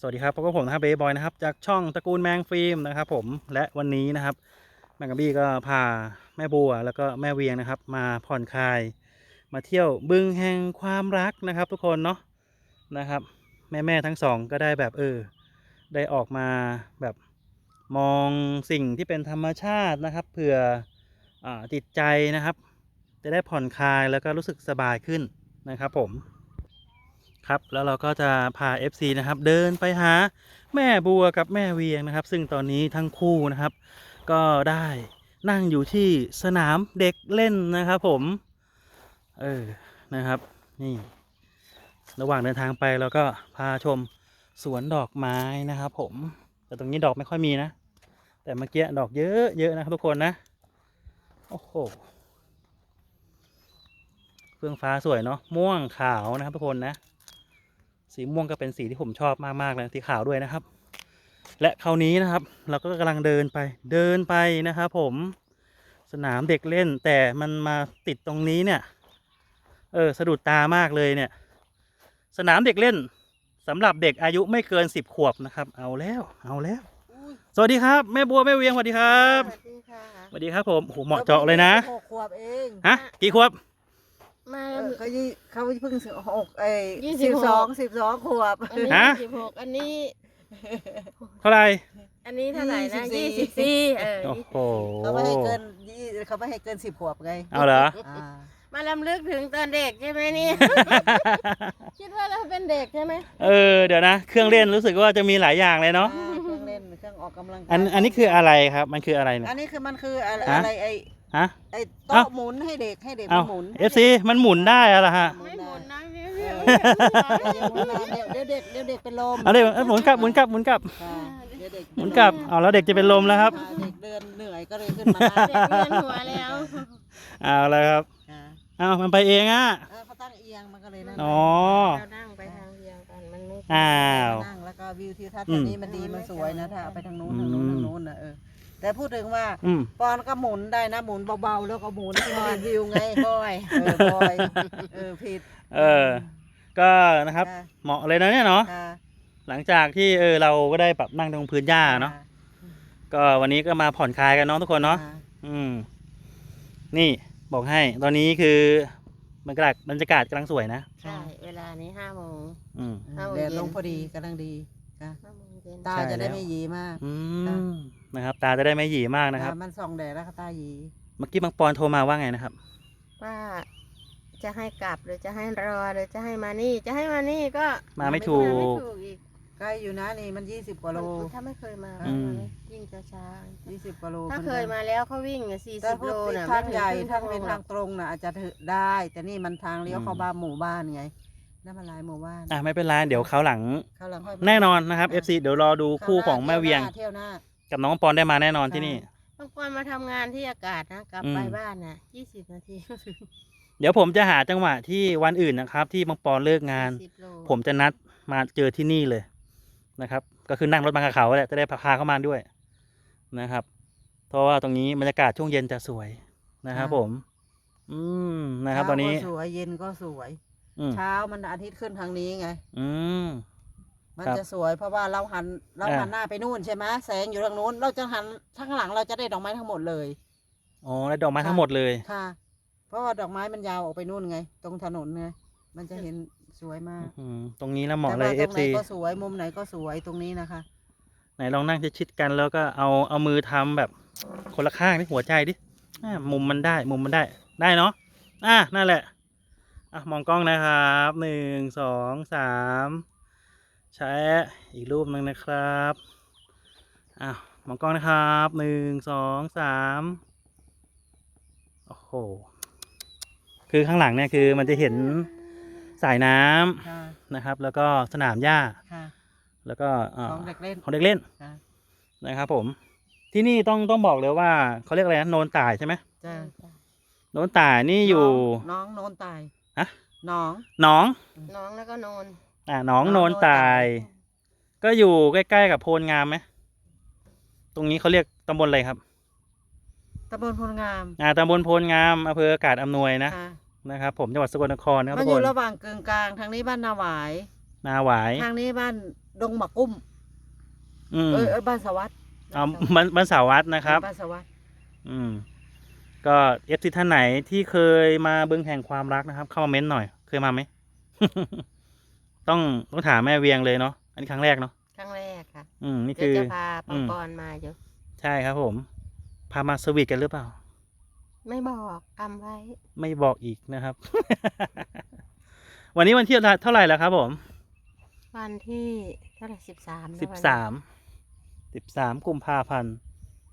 สวัสดีครับพบกับผมนะครับเบย์บอยนะครับจากช่องตระกูลแมงฟิล์มนะครับผมและวันนี้นะครับแมงกะบี้ก็พาแม่บัวแล้วก็แม่เวียงนะครับมาผ่อนคลายมาเที่ยวบึงแห่งความรักนะครับทุกคนเนาะนะครับแม่ทั้งสองก็ได้แบบได้ออกมาแบบมองสิ่งที่เป็นธรรมชาตินะครับเผื่อจิตใจนะครับจะได้ผ่อนคลายแล้วก็รู้สึกสบายขึ้นนะครับผมครับแล้วเราก็จะพา FC นะครับเดินไปหาแม่บัวกับแม่เวียงนะครับซึ่งตอนนี้ทั้งคู่นะครับก็ได้นั่งอยู่ที่สนามเด็กเล่นนะครับผมนะครับนี่ระหว่างเดินทางไปเราก็พาชมสวนดอกไม้นะครับผมแต่ตรงนี้ดอกไม่ค่อยมีนะแต่เมื่อกี้ดอกเยอะนะครับทุกคนนะโอ้โหเฟื่องฟ้าสวยเนาะม่วงขาวนะครับทุกคนนะสีม่วงก็เป็นสีที่ผมชอบมากๆเลยสีขาวด้วยนะครับและคราวนี้นะครับเราก็กำลังเดินไปนะครับผมสนามเด็กเล่นแต่มันมาติดตรงนี้เนี่ยสะดุดตามากเลยเนี่ยสนามเด็กเล่นสำหรับเด็กอายุไม่เกิน10 ขวบนะครับเอาแล้วสวัสดีครับแม่บัวแม่เวียงสวัสดีครับสวัสดีค่ะสวัสดีครับผมโอ้โหเหมาะเจาะเลยนะ 6 ขวบเองฮะกี่ขวบมาเขาเพิ่ง612 ขวบอันนี้26อันนี้เท่าไหร่อันนี้เท่าไหร่นะ24 โอ้โหเขาไม่ให้เกิน10 ขวบไงเอาเหรอมาลำลึกถึงตอนเด็กใช่ไหมนี่ คิดว่าเราเป็นเด็กใช่ไหมเดี๋ยวนะเครื่องเล่นรู้สึกว่าจะมีหลายอย่างเลยเนาะเครื่องเล่นเครื่องออกกำลังกายอันนี้คืออะไรครับมันคืออะไรเนี่ยอันนี้คือมันคืออะไรไอ้โต๊ะหมุนให้เด็กหมุน FCมันหมุนได้อะไรฮะไม่หมุนนะเดี๋ยวเด็กเป็นลมเอาเลยหมุนกลับหมุนกลับเอาแล้วเด็กจะเป็นลมแล้วครับเด็กเดินเหนื่อยก็เลยขึ้นมาเด็กเวียนหัวแล้วเอาเลยครับมันไปเองอ่ะเขาตั้งเอียงมันก็เลยนั่งเรานั่งไปทางเดียวกันมันไม่นั่งแล้วก็วิวทิวทัศน์แบบนี้มันดีมันสวยนะถ้าเอาไปทางนู้นนะแต่พูดถึงว่าปอนก็หมุนได้นะหมุนเบาๆแล้วก็หมุนให้มันวิวไงบอยผิดก็นะครับเหมาะเลยนะเนี่ยเนาะหลังจากที่เราก็ได้ปรับนั่งตรงพื้นหญ้าเนาะก็วันนี้ก็มาผ่อนคลายกันเนาะทุกคนเนาะนี่บอกให้ตอนนี้คือบรรยากาศกำลังสวยนะใช่เวลานี้5 โมงแดดลงพอดีกำลังดีตาจะได้ไม่หยีมากนะครับตาจะได้ไม่หยีมากนะครับมันส่องแดดแล้วตาหยีเมื่อกี้บางปอนโทรมาว่าไงนะครับว่าจะให้กลับหรือจะให้รอหรือจะให้มานี่จะให้มานี่ก็มาไม่ถูกอีกใกล้อยู่นะนี่มัน20 กว่าโลถ้าไม่เคยมาวิ่งช้า 20 กว่าโลถ้าเคยมาแล้วเขาวิ่ง40 โลน่ะทางใหญ่ทางเป็นทางตรงน่ะอาจจะได้แต่นี่มันทางเลี้ยวเข้าบ้านหมู่บ้านไงนั่นมันลายหมู่บ้านไม่เป็นไรเดี๋ยวเขาหลังแน่นอนนะครับ FC เดี๋ยวรอดูคู่ของแม่เวียงกับน้องปอนได้มาแน่นอนที่นี่น้องปอนมาทำงานที่อากาศนะกลับไปบ้านน่ะ20 นาทีเดี๋ยวผมจะหาจังหวะที่วันอื่นนะครับที่บางปอนเลิกงานผมจะนัดมาเจอที่นี่เลยนะครับก็คือนั่งรถมากับเขาแหละจะได้พาเข้ามาด้วยนะครับเพราะว่าตรงนี้บรรยากาศช่วงเย็นจะสวยนะครับผมนะครับตอนนี้สวยเย็นก็สวยเช้ามันอาทิตย์ขึ้นทางนี้ไงมันจะสวยเพราะว่าเราหันหน้าไปนู่นใช่ไหมแสงอยู่ทางนู้นเราจะหันข้างหลังเราจะได้ดอกไม้ทั้งหมดเลยได้ดอกไม้ทั้งหมดเลยค่ะเพราะว่าดอกไม้มันยาวออกไปนู่นไงตรงถนนไงมันจะเห็นสวยมากตรงนี้แล้วเหมาะเลย FC ก็สวยมุมไหนก็สวยตรงนี้นะคะไหนลองนั่งชิดกันแล้วก็เอามือทำแบบคนละข้างที่หัวใจดิมุมมันได้ได้เนาะนั่นแหละมองกล้องนะครับ1 2 3ใช้อีกรูปหนึ่งนะครับมองกล้องนะครับ1 2 3โอ้โหคือข้างหลังเนี่ยคือมันจะเห็นสายน้ำนะครับแล้วก็สนามหญ้าแล้วก็ของเด็กเล่นนะครับผมที่นี่ต้องบอกเลยว่าเขาเรียกอะไรนะโนนต่ายใช่ไหมโนนต่ายนี่อยู่น้องโนนต่ายน้องแล้วก็โนนน้องโนนต่ายก็อยู่ใกล้ๆกับโพลงามไหมตรงนี้เขาเรียกตำบลอะไรครับตำบลโพลงามตำบลโพลงามอำเภออากาศอำนวยนะครับผมจังหวัดสกลนครครับมันอยู่ระหว่างกึ่งกลางทางนี้บ้านนาหวายนาหวายทางนี้บ้านดงหมะกุ้ม บ้านสวัสดิ์เอาบ้านสาวัตนะครับบ้านสวัสดิ์ก็เอฟซีท่านไหนที่เคยมาบึงแห่งความรักนะครับ เข้ามาเม้นหน่อย เคยมาไหม ต้องถามแม่เวียงเลยเนาะอันนี้ครั้งแรกเนาะครั้งแรกค่ะนี่เดี๋ยคืวอจะพาปังปอนมาอยู่ใช่ครับผม พามาสวีทกันหรือเปล่าไม่บอกกำไว้ไม่บอกอีกนะครับ วันนี้วันที่เท่าไหร่แล้วครับผมวันที่เท่าไหร่13 13กุมภาพันธ์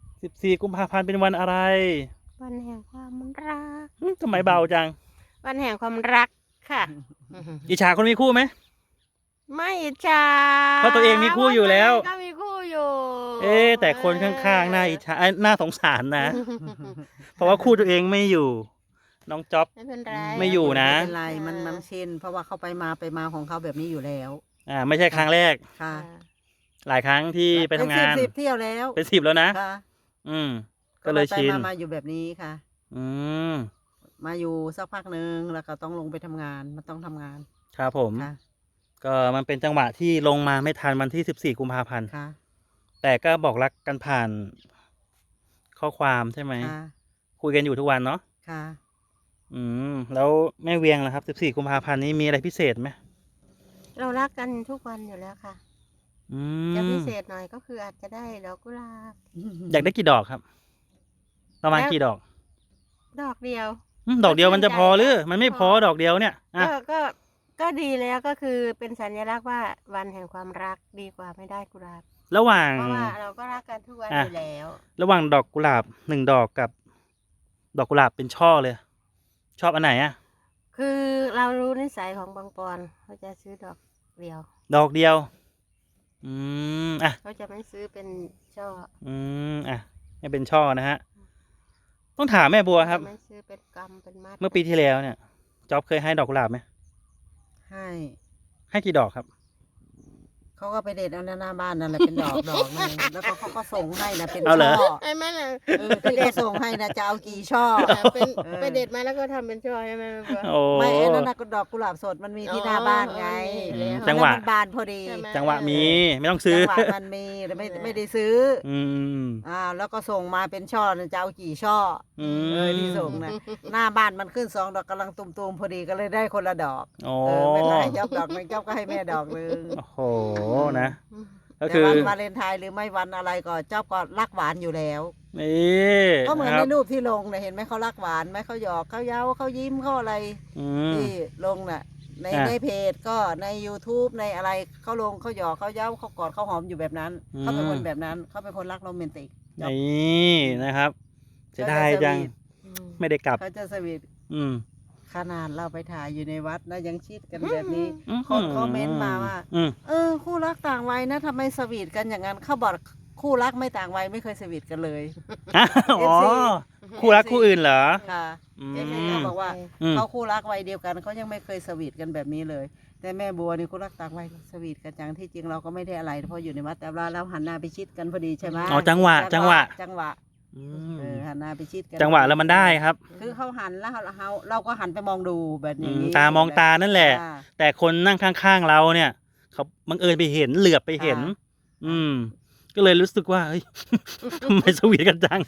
14กุมภาพันธ์เป็นวันอะไรวันแห่งความรักทำไมเบาจังวันแห่งความรักค่ะอิจฉาคนมีคู่ไหมไม่อิจฉาเพราะตัวเองมีคู่อยู่แล้วก็มีคู่อยู่แต่คนข้างๆน่าอิจฉาน่าสงสารนะ เพราะว่าคู่ตัวเองไม่อยู่ น้องจ๊อบไม่เป็นไรไม่อยู่นะไม่เป็นไรมันชินเพราะว่าเขาไปมาของเขาแบบนี้อยู่แล้วไม่ใช่ครั้งแรกค่ะหลายครั้งที่ไปทำงานเป็น10เที่ยวแล้วเป็น10แล้วนะค่ะก็เลยชินมาอยู่แบบนี้ค่ะอืมมาอยู่สักพักหนึ่งแล้วก็ต้องลงไปทำงานมันต้องทำงานครับผมค่ะก็มันเป็นจังหวะที่ลงมาไม่ทันวันที่14กุมภาพันธ์ค่ะแต่ก็บอกรักกันผ่านข้อความใช่ไหมค่ะคุยกันอยู่ทุกวันเนาะค่ะแล้วแม่เวียงล่ะครับ14กุมภาพันธ์นี้มีอะไรพิเศษไหมเรารักกันทุกวันอยู่แล้วค่ะอืจะพิมเศษหน่อยก็คืออาจจะได้ดอกกุหลาบอยากได้กี่ดอกครับ ประมาณกี่ดอกดอกเดียวดอกเดียวมันจะพอหรือมันไม่พอดอกเดียวเนี่ยอ่ะก็ดีแล้วก็คือเป็นสัญลักษณ์ว่าวันแห่งความรักดีกว่าไม่ได้กุหลาบระหว่างเพราะว่าเราก็รักกันทุกวันอยู่แล้วระหว่างดอกกุหลาบ1 ดอกกับ ดอกกุหลาบเป็นช่อเลย ชอบอันไหนอ่ะคือเรารู้นิสัยของบางปอนเขาจะซื้อดอกเดียวดอกเดียว อ่ะเขาจะไม่ซื้อเป็นช่ออ่ะไม่เป็นช่อนะฮะ ต้องถามแม่บัวครับจะไม่ซื้อเป็นกำเป็นมัดเมื่อปีที่แล้วเนี่ยจ๊อบเคยให้ดอกกุหลาบไหมให้ให้กี่ดอกครับเขาก็ไปเด็ดเอาหน้าบ้านนั่นแหละเป็นดอกนึงแล้วก็เขาก็ส่งให้นะเป็นเอาเหรอช่อไอ้แม่น่ะที่เขาส่งให้นะจะเอากี่ช่อเป็น ไปเด็ดมาแล้วก็ทำเป็นช่อใช่ไหมแม่บัวโอ้ไม่ไอ้นั่นนะก็ดอกกุหลาบสดมันมีที่หน้าบ้านไงอ๋อมีแล้วจังหวะอันนั้นมันบานพอดีใช่ไหมจังหวะมีไม่ต้องซื้อจังหวะมันมีแต่ไม่ได้ซื้ออืมแล้วก็ส่งมาเป็นช่อนะจะเอากี่ช่ออืมที่ส่งนะหน้าบ้านมันขึ้น2 ดอกกำลังตุ่มๆพอดีก็เลยได้คนละดอกโอ้ไม่เป็นไรจ๊อบดอกหนึงจ๊อบก็ให้แม่ดอกหนึงโอ้โหนะ ก็แต่คือวันวาเลนไทน์หรือไม่วันอะไรก็จ๊อบก็รักหวานอยู่แล้วนี่ก็เหมือนนะคในรับรูปที่ลงเนี่ยเห็นไหมเขารักหวานไหมเขาหยอกเขาเย้าเขายิ้มเขาอะไรอืมที่ลงน่ะในเพจก็ใน YouTube ในอะไรเขาลงเขาหยอกเขาเย้าเขากอดเขาหอมอยู่แบบนั้นเขาเป็นคนแบบนั้นเขาเป็นคนรักโรแมนติกนี่นะครับเสียดายจัง ไม่ได้กลับเขาจะสวีทอืมขนาดเราไปถ่ายอยู่ในวัดนะยังชิดกันแบบนี้อืมคนคอมเมนต์มาว่าอืมคู่รักต่างวัยนะทำไมสวีทกันอย่างนั้นเขาบอกคู่รักไม่ต่างวัยไม่เคยสวีทกันเลยอ๋อ คู่รักคู่อื่นเหรอค่ะอืมเอฟซีเขาบอกว่าอืมเขาคู่รักวัยเดียวกันเขายังไม่เคยสวีทกันแบบนี้เลย แต่แม่บัวนี่คู่รักต่างวัยสวีทกันจังที่จริงเราก็ไม่ได้อะไรเพราะอยู่ในวัดแต่ว่าเราหันหน้าไปชิดกันพอดีใช่ไหมอ๋อจังหวะจังหวะอืมหันหน้าไปชิดกันจังหวะแล้วมันได้ครับคือเขาหันแล้วเราก็หันไปมองดูแบบนี้ตามองตานั่นแหละอ่าแต่คนนั่งข้างๆเราเนี่ย เขาบังเอิญไปเห็นเหลือบไปเห็นค่ะอืม ก็เลยรู้สึกว่าเฮ้ย ทำไมสวีทกันจัง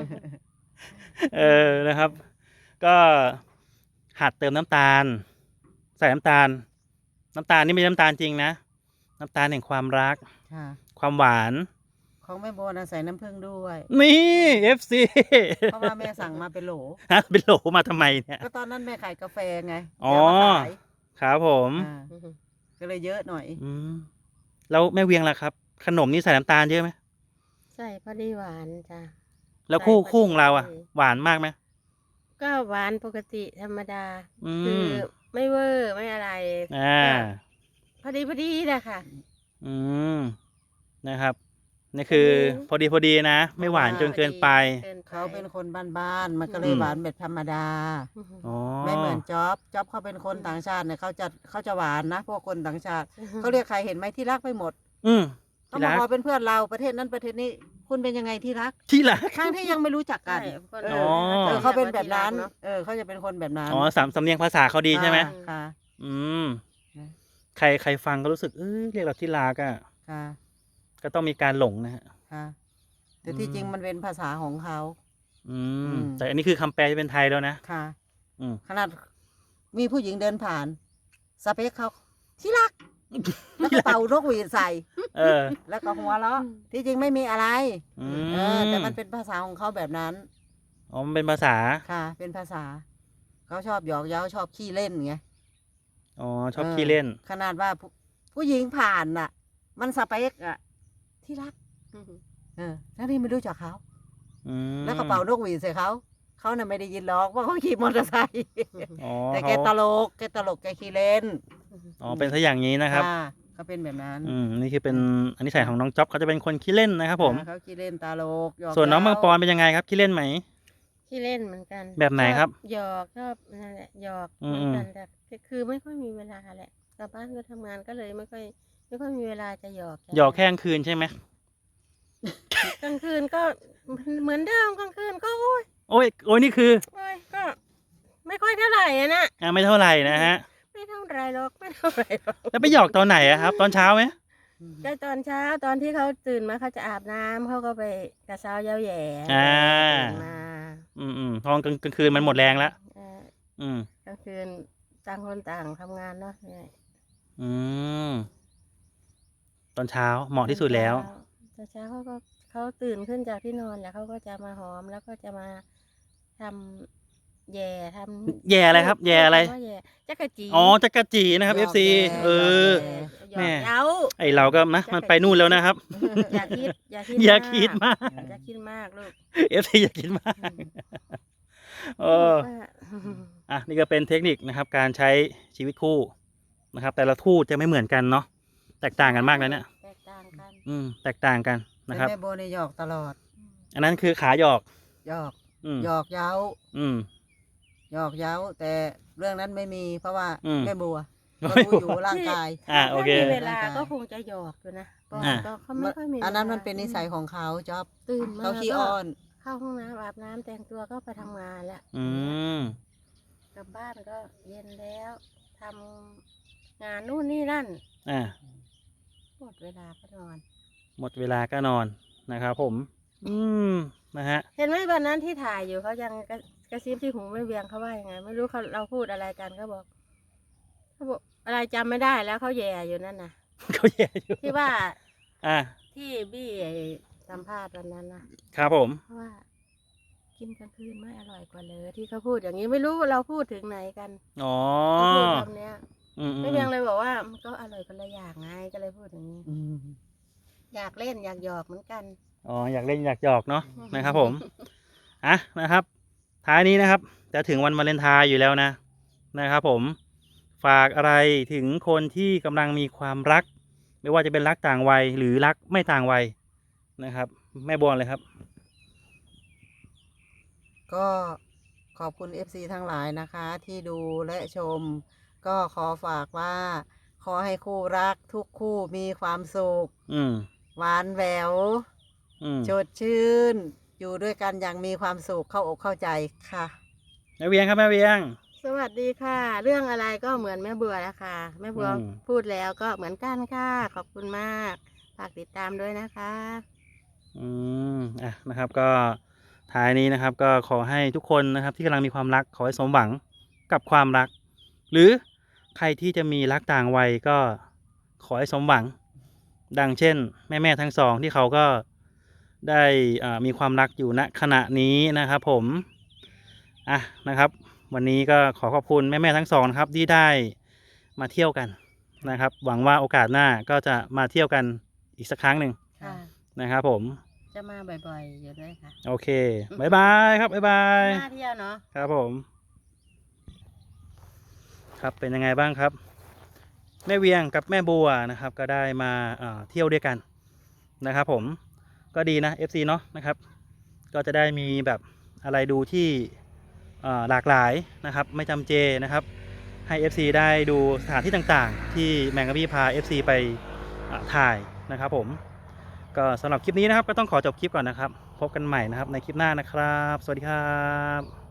นะครับ ก็หัดเติมน้ำตาล ใส่น้ำตาล น้ำตาลนี่ไม่ใช่น้ำตาลจริงนะ น้ำตาลแห่งความรักค่ะความหวานของแม่บัวนะใส่น้ำผึ้งด้วยนี่ FC เพราะว่าแม่สั่งมาเป็นโหลฮะเป็นโหลมาทำไมเนี่ยก็ตอนนั้นแม่ขายกาแฟไงอ๋อจะมาขายครับผมก็เลยเยอะหน่อยแล้วแม่เวียงล่ะครับ ขนมนี่ใส่น้ำตาลเยอะไหมใส่พอดีหวานจ้ะแล้วคู่ใส่พอดีคู่ของเราอ่ะพอดีหวานมากไหมก็หวานปกติธรรมดาอืคือมไม่เวอร์ไม่อะไรอ่าพอดีนะคะอืมนะครับนี่คือพอดีนะ ไม่หวานจนเกินไปเขาเป็นคนบ้านๆมันก็เลยหวานแบบธรรมดาอ๋อไม่เหมือนจ๊อบเขาเป็นคนต่างชาติเนี่ยเขาจะหวานนะพวกคนต่างชาติเขาเรียกใครเห็นไหมที่รักไปหมดอืมเขาที่บอรักกว่าเป็นเพื่อนเราประเทศนั้นประเทศนี้คุณเป็นยังไงที่รักที่รักทั้งที่ยังไม่รู้จักกันใช่คนเออ๋อเขาเป็นแบบนั้นเอะเขาจะเป็นคนแบบนั้นอ๋อสำเนียงภาษาเขาดีใช่ไหมค่ะอืมใครฟังก็รู้สึกเรียกเราที่รักอ่ะค่ะก็ต้องมีการหลงนะฮะค่ะแต่ที่จริงมันเป็นภาษาของเขาแต่อันนี้คือคำแปลจะเป็นไทยแล้วนะค่ะอืมขนาดมีผู้หญิงเดินผ่านสเปคเขาที่รัก แล้วก็เป่านกหวีดใส่เออแล้วก็หัวเราะที่จริงไม่มีอะไรอืมแต่มันเป็นภาษาของเขาแบบนั้นอ๋อมันเป็นภาษาค่ะ เป็นภาษา เขาชอบหยอกเย้าชอบขี้เล่นไงอ๋อชอบขี้เล่นขนาดว่าผู้หญิงผ่านน่ะ มันสเปคอะที่รักแล้วนี่ไม่รู้จักเขา แล้วก็เป่านกหวีดใส่เขาน่ะไม่ได้ยินหรอกว่าเขาขี่มอเตอร์ไซค์อ๋อแต่แกตลกแกขี้เล่นอ๋อเป็นซะอย่างนี้นะครับค่ะเขาเป็นแบบนั้นนี่คือเป็นอันนี้ใส่ของน้องจ๊อบเขาจะเป็นคนขี้เล่นนะครับผมเขาขี้เล่นตลกหยอกส่วนน้องเย้ามังปอนเป็นยังไงครับขี้เล่นไหมที่เล่นเหมือนกันแบบไหนครับหยอกชอบนั่นแหละหยอกอืมเหมือนกันแต่คือไม่ค่อยมีเวลาแหละกลับบ้านก็ทำงานก็เลยไม่ค่อยมีเวลาจะหยอกหยอกแค่กลางคืนใช่ไหมกลางคืนก็เหมือนเดิมกลางคืนก็โอ้ยโอ้ยนี่คือก็ไม่ค่อยเท่าไหร่อะนะไม่เท่าไหร่นะฮะไม่เท่าไหร่หรอกไม่เท่าไหร่หรอกแล้วไปหยอกตอนไหนอะครับ ตอนเช้าไหมก็ตอนเช้าตอนที่เขาตื่นมาเขาจะอาบน้ำเขาก็ไปกระเช้าเย้าแหย่ ตื่นมาพอกลางคืนมันหมดแรงแล้วเอออืมกลางคืนต่างคนต่างทำงานเนาะเนี่ยอืมตอนเช้าเหมาะที่สุดแล้วตอนเช้าเขาตื่นขึ้นจากที่นอนแล้วเขาก็จะมาหอมแล้วก็จะมาทำแย่ทำแย่อะไรครับแย่อะไรว่าแย่จักรจีอ๋อจักรจีนะครับหยอก FC แย่เออหยอกแม่เย้าไอเราก็นะมันไปนู่นแล้วนะครับอย่าคิดอย่าคิดมากอย่าคิดมากลูก FC อย่าคิดมากนี่ก็เป็นเทคนิคนะครับ การใช้ชีวิตคู่นะครับ แต่ละคู่จะไม่เหมือนกันเนาะแตกต่างกันมากเลยเนี่ยแตกต่างกันแตกต่างกันเป็นะนครับแม่โบในหยอกตลอดอันนั้นคือขาหยอกหยอกอืมหยอกเย้าอืมหยอกเย้า แต่เรื่องนั้นไม่มีเพราะว่าอืมแม่บัวไม่ก็บัวรู้อยู่ร่างกายโอเคถ้ามีเวลาก็คงจะหยอกอยู่นะปอนอ่าก็เขาไม่ค่อยมีอันนั้นวลามันเป็นนิสัยของเขาจ๊อบตื่นมาเขาขี้ก็อ้อนเข้าห้องน้ำอาบน้ำแต่งตัวก็ไปทำงานแล้วอืมกลับบ้านก็เย็นแล้วทำงานนู่นนี่นั่น หมดเวลาก็นอนหมดเวลาก็นอนนะครับผม นะฮะเห็นไหมวันนั้นที่ถ่ายอยู่เขายังกระซิบที่หูไม่เวียงเขาว่ายังไง ไม่รู้เราพูดอะไรกันเขาบอกอะไรจำไม่ได้แล้วเขาแย่อยู่นั่นน่ะเขาแย่อยู่ที่ว่าอ่าที่บี้สัมภาษณ์วันนั้นนะครับผมเพราะว่า กินกลางคืนไม่อร่อยกว่าเลยที่เขาพูดอย่างนี้ไม่รู้เราพูดถึงไหนกันอ๋อเขาพูดคำเนี้ยอืมไม่เพียงเลยบอกว่ามันก็อร่อยคนละอย่างไงก็เลยพูดอย่างนี้ อยากเล่นอยากหยอกเหมือนกันอ๋ออยากเล่นอยากหยอกเนาะนะครับผมนะครับ ท้ายนี้นะครับ จะถึงวันวาเลนไทน์อยู่แล้วนะครับผมฝากอะไรถึงคนที่กำลังมีความรัก ไม่ว่าจะเป็นรักต่างวัยหรือรักไม่ต่างวัยนะครับ แม่บัวเลยครับก็ขอบคุณ FC ทั้งหลายนะคะ ที่ดูและชม ก็ขอฝากว่า ขอให้คู่รักทุกคู่มีความสุขอืมหวานแหวว สดชื่น อยู่ด้วยกันอย่างมีความสุขเข้าอกเข้าใจค่ะแม่เวียงครับแม่เวียงสวัสดีค่ะ เรื่องอะไรก็เหมือนแม่บัวแล้วค่ะแม่บัวอืมพูดแล้วก็เหมือนกันค่ะขอบคุณมากฝากติดตามด้วยนะคะนะครับก็ท้ายนี้นะครับ ก็ขอให้ทุกคนนะครับ ที่กำลังมีความรักขอให้สมหวังกับความรัก หรือใครที่จะมีรักต่างวัยก็ขอให้สมหวัง ดังเช่น แม่ทั้งสองที่เขาก็ได้มีความรักอยู่ณขณะนี้นะครับผมนะครับ วันนี้ก็ขอขอบคุณแม่ทั้งสองครับที่ได้มาเที่ยวกันนะครับ หวังว่าโอกาสหน้าก็จะมาเที่ยวกันอีกสักครั้งหนึ่งค่ะนะครับผมจะมาบ่อยๆอยู่ด้วยค่ะโอเคบายบายครับบายบายมาเที่ยวเนาะครับผม ครับเป็นยังไงบ้างครับ แม่เวียงกับแม่บัวนะครับ ก็ได้มาเที่ยวด้วยกันนะครับผมก็ดีนะ FC เนาะนะครับ ก็จะได้มีแบบอะไรดูที่หลากหลายนะครับ ไม่จำเจนะครับ ให้ FC ได้ดูสถานที่ต่างๆ ที่แมงกะบี้พา FC ไปถ่ายนะครับผมก็สำหรับคลิปนี้นะครับก็ต้องขอจบคลิปก่อนนะครับ พบกันใหม่นะครับในคลิปหน้านะครับ สวัสดีครับ